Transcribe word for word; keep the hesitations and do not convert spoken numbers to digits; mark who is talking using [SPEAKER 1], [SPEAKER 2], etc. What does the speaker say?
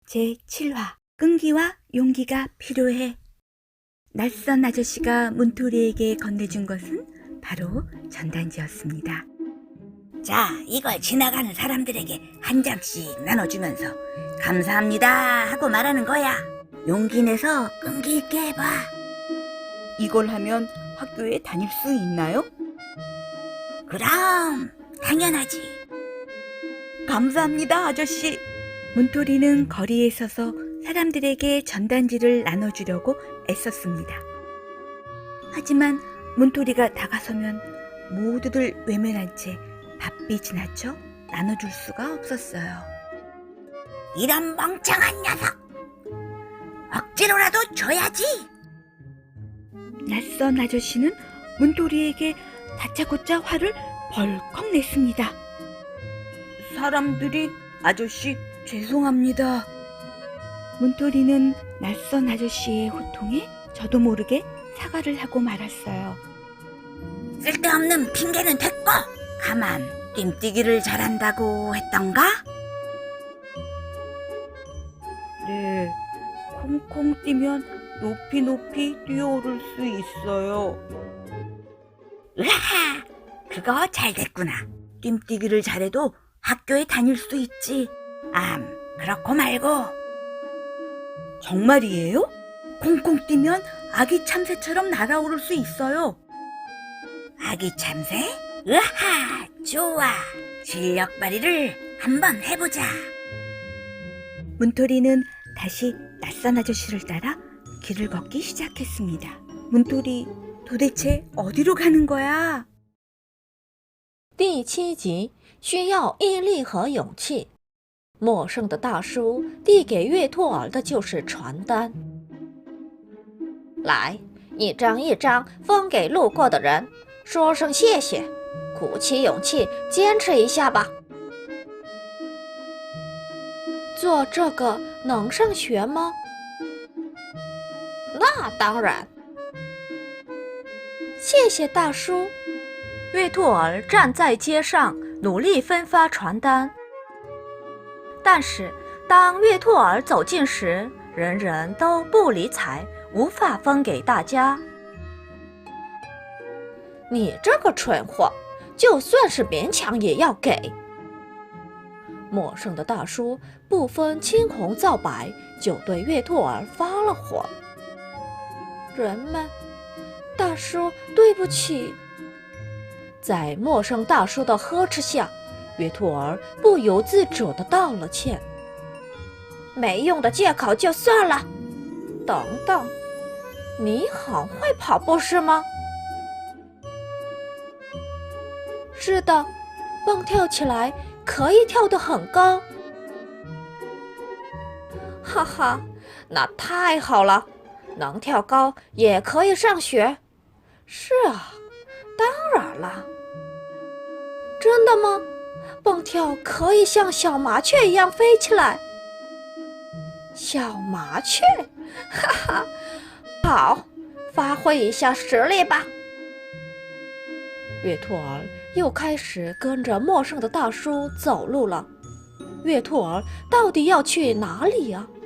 [SPEAKER 1] 제칠 화 끈기와 용기가 필요해. 낯선 아저씨가 문토리에게 건네준 것은 바로 전단지였습니다.
[SPEAKER 2] 자, 이걸 지나가는 사람들에게 한 장씩 나눠주면서 감사합니다 하고 말하는 거야. 용기 내서 끈기 있게 해봐.
[SPEAKER 1] 이걸 하면 학교에 다닐 수 있나요?
[SPEAKER 2] 그럼 당연하지.
[SPEAKER 1] 감사합니다, 아저씨. 문토리는 거리에 서서 사람들에게 전단지를 나눠주려고 애썼습니다. 하지만 문토리가 다가서면 모두들 외면한 채 바삐 지나쳐 나눠줄 수가 없었어요.
[SPEAKER 2] 이런 멍청한 녀석! 억지로라도 줘야지!
[SPEAKER 1] 낯선 아저씨는 문토리에게 다짜고짜 화를 벌컥 냈습니다. 사람들이 아저씨 죄송합니다. 문토리는 낯선 아저씨의 호통에 저도 모르게 사과를 하고 말았어요.
[SPEAKER 2] 쓸데없는 핑계는 됐고 가만 띵뛰기를 잘한다고 했던가?
[SPEAKER 1] 네, 콩콩 뛰면 높이 높이 뛰어오를 수 있어요.
[SPEAKER 2] 으하하, 그거 잘 됐구나. 띵뛰기를 잘해도 학교에 다닐 수 있지. 암, 그렇고 말고.
[SPEAKER 1] 정말이에요? 콩콩 뛰면 아기 참새처럼 날아오를 수 있어요.
[SPEAKER 2] 아기 참새? 으하, 좋아. 실력 발휘를 한번 해보자.
[SPEAKER 1] 문토리는 다시 낯선 아저씨를 따라 길을 걷기 시작했습니다. 문토리, 도대체 어디로 가는 거야?
[SPEAKER 3] 第七集需要毅力和勇气。陌生的大叔递给月兔儿的就是传单。来，一张一张分给路过的人，说声谢谢，鼓起勇气坚持一下吧。做这个能上学吗？那当然。谢谢大叔。月兔儿站在街上，努力分发传单。但是，当月兔儿走近时，人人都不理睬，无法分给大家。你这个蠢货，就算是勉强也要给。陌生的大叔不分青红皂白，就对月兔儿发了火。人们，大叔，对不起。在陌生大叔的呵斥下，月兔儿不由自主地道了歉。没用的借口就算了。等等，你很会跑步是吗？是的，蹦跳起来可以跳得很高。哈哈，那太好了，能跳高也可以上学。是啊，当然了。真的吗？蹦跳可以像小麻雀一样飞起来。小麻雀，哈哈，好，发挥一下实力吧。月兔儿又开始跟着陌生的大叔走路了。月兔儿到底要去哪里呀？